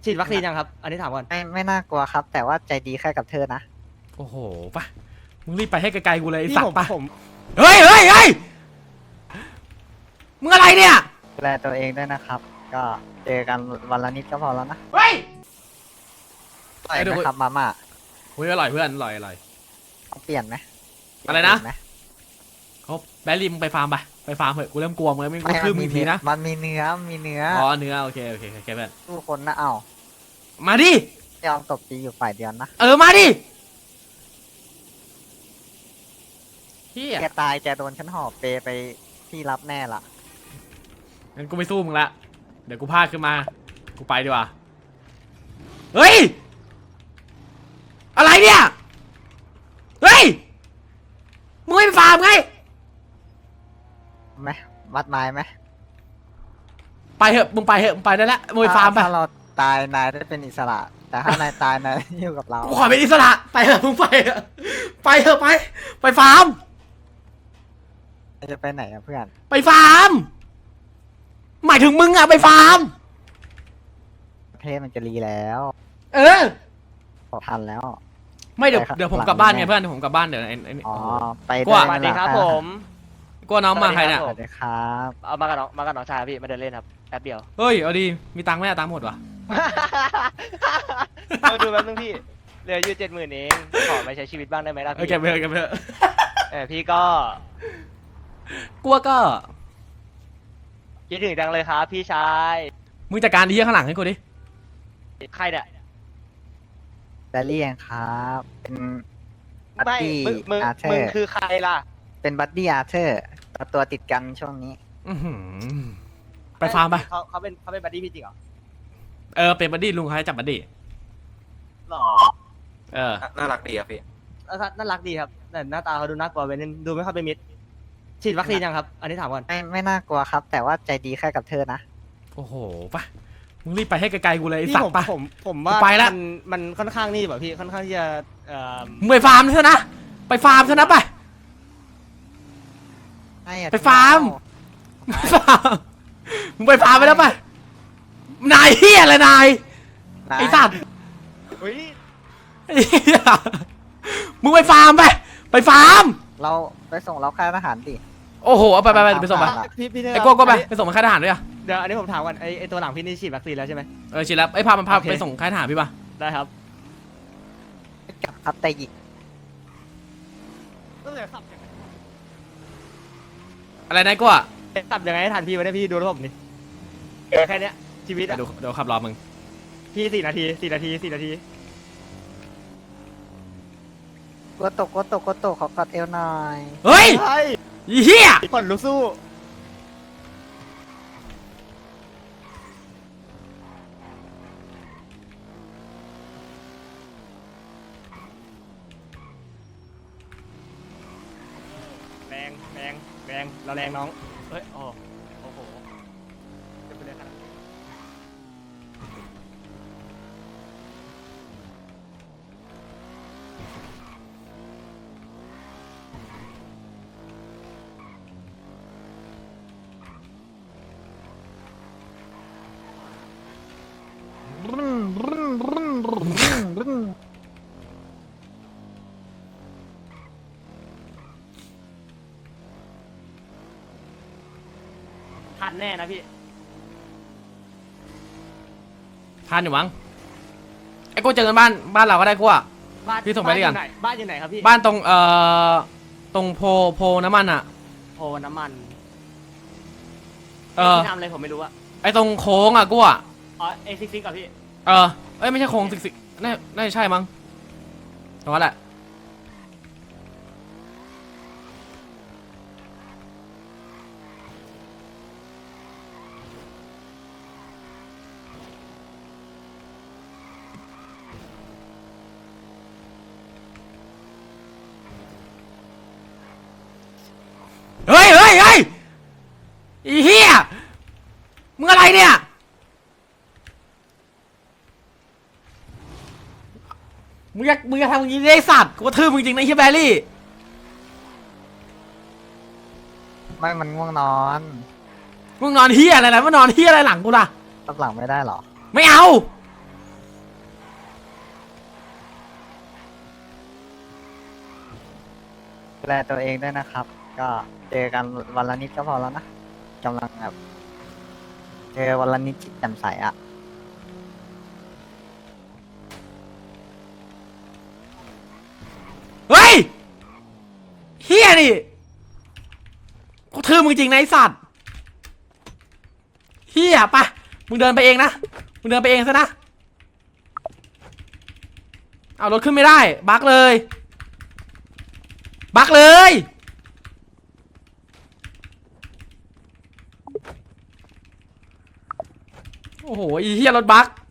ฉีดวัคซีนยังครับอันนี้ถามก่อนไม่น่ากลัวครับ แต่ว่าใจดีแค่กับเธอนะโอ้โหปะมึงรีบไปให้ไกลๆกูเลยไอ้พี่สัตผมว์ปะผมเฮ้ยเฮ้ยเฮ้ยมึงอะไรเนี่ยดูแลตัวเองด้วยนะครับ ก็เจอกันวันละนิดก็พอแล้วนะเฮ้ยอร่อยไหมครับมาม่าเฮ้ยอร่อยเพื่อนอร่อยอร่อยต้องเปลี่ยนไหมอะไรนะเปลี่ยหมเขาแบลลี่มึงไปฟาร์มไปฟาร์มเถอะกูเริ่มกลัวมึงแล้วมึงคือมึงทีนะมันมีเนื้อมีเนื้ออ๋อเนื้อโอเคโอเคโอเคเพื่อนสู้คนนะเอ้ามาดิยอมตบตีอยู่ฝ่ายเดียวนะมาดิเฮียแกตายแกโดนฉันห่อเปไปที่รับแน่ละงั้นกูไม่สู้มึงละเดี๋ยวกูพลาดขึ้นมากูไปดีกว่าเฮ้ยอะไรเนี่ยเฮ้ยมึงไม่ไปฟาร์มไงไหมวัดไม้ไหมไปเถอะมึงไปเถอะมึงไปได้แล้วมึงไปฟาร์มไปถ้าเราตายนายได้เป็นอิสระ แต่ถ้านายตายนายอยู่กับเรากูขอเป็นอิสระไปเถอะมึงไปเถอะไปเถอะไปฟาร์มจะไปไหนอะเพื่อนไปฟาร์มหมายถึงมึงอะไปฟาร์มประเทศมันจะรีแล้วเออทันแล้วไม่เดี๋ยวไปครับเดี๋ยวผมกลับบ้านไงเพื่อนเดี๋ยวผมกลับบ้านเดี๋ยวไอ้นี่อ๋อโอ้โหไปกว่าสวัสดีครับผมกลัวน้องมาใครเนี่ยสวัสดีครับเอามากับน้องชายพี่มาเดินเล่นครับแป๊บเดียวเฮ้ยเอาดีมีตังค์ไหมอะตังค์หมดวะมาดูแป๊บนึงพี่เหลืออยู่70,000เองขอไปใช้ชีวิตบ้างได้ไหมล่ะเออพี่เก็บไปเถอะเก็บไปเถอะพี่ก็กลัวก็คิดถึงจังเลยครับพี่ชายมึงจัดการที่ข้างหลังให้กูดิใครเนี่ยแบลลี่เองครับ เป็นบัดไม่ดี้มึงอาร์เธอมึงร์คือใครล่ะเป็นบัดดี้อาร์เธอร์ตัวติดกันช่วงนี้อื้อหือไปฟาร์มไปเขาเป็นบัดดี้พี่จริงเหรอเป็นบัดดี้ลุงเขาให้จับบัดดี้หรอน่ารักดีครับพี่น่ารักดีครับแต่หน้าตาเขาดูน่ากลัวไปนิดดูไม่ค่อยเป็นมิตรฉีดวัคซีนยังครับ อันนี้ถามก่อนไม่น่ากลัวครับ แต่ว่าใจดีแค่กับเธอนะโอ้โหปะมึงรีบไปให้ไกลๆกูเลยไอ้พี่สัตผมว์ปะผมว่าไปละมันค่อนข้างนี่แบบพี่ค่อนข้างที่จะมึงไปฟาร์มเถอะนะไปฟาร์มเถอะนะไป ไปฟาร์ม ไปฟาร์มมึงไปฟาร์มไปแล้วปะนายเฮียอะไรนายไอ้สัตว์อุ้ยไอ้เหี้ยมึงไปฟาร์มไปฟาร์มเราไปส่งเราค่ายทหารดิโอ้โหเอาไปส่งไปพี่เธอไอ้กก็ไปส่งมาค่ายทหารด้วยอ่ะเดี๋ยวอันนี้ผมถามก่อนไอตัวหลังพี่นี่ฉีดวัคซีนแล้วใช่ไหมชิลแล้วไอ้พามันพาโอเคไปส่งค่ายทหารพี่ปะได้ครับกับครับแต่หยิกก็เลยขับยังไงอะไรนายก็อ่ะขับยังไงให้ทันพี่ไว้ได้พี่ดูระบบนี่แค่เนี้ยชีวิตอะเดี๋ยวขับรอมึงพี่4 นาที4 นาที4 นาทีกดตกขอกอดเอวหน่อยเฮ้ยใช่อีเหี้ยผ่อนลุกสู้แรงเราแรงน้องเฮ้ยโอ้โหจะไปเลยขนาดนั้น ทันแน่นะพี่ทานอยู่มั้งไอ้กูเจอกันบ้านเราก็ได้กูอ่ะ พี่ส่งไปหรือยังบ้านอยู่ไหนครับพี่บ้านตรงตรงโพน้ำมันอ่ะโพน้ำมันพี่ทำอะไรผมไม่รู้อะไอ้ตรงโค้งอ่ะกูอ่ะอ๋อA66กับพี่ไม่ใช่โค้งสิน่าจะใช่มั้งตรงนั้นแหละเฮ้ยอีเหี้ยมึงอะไรเนี่ยมึงอยากทำอย่างนี้ได้สัตว์กูกระทืบมึงจริงนะไอ้เฮียแบรี่ไม่มันง่วงนอนมึงนอนเฮียอะไรล่ะมึงนอนเฮียอะไรหลังกูล่ะรับหลังไม่ได้หรอไม่เอาแลตัวเองด้วยนะครับ ก็เจอกันวันละนิดก็พอแล้วนะกำลังแบบเจอวันละนิดจิตแจ่มใสอะเฮ้ยเฮียนี่กูทื่อมึงจริงนะไอ้สัตว์เฮียปะมึงเดินไปเองนะมึงเดินไปเองซะนะเอารถขึ้นไม่ได้บั๊กเลยบั๊กเลยโอ้โหไอ้เฮียรถบั๊ก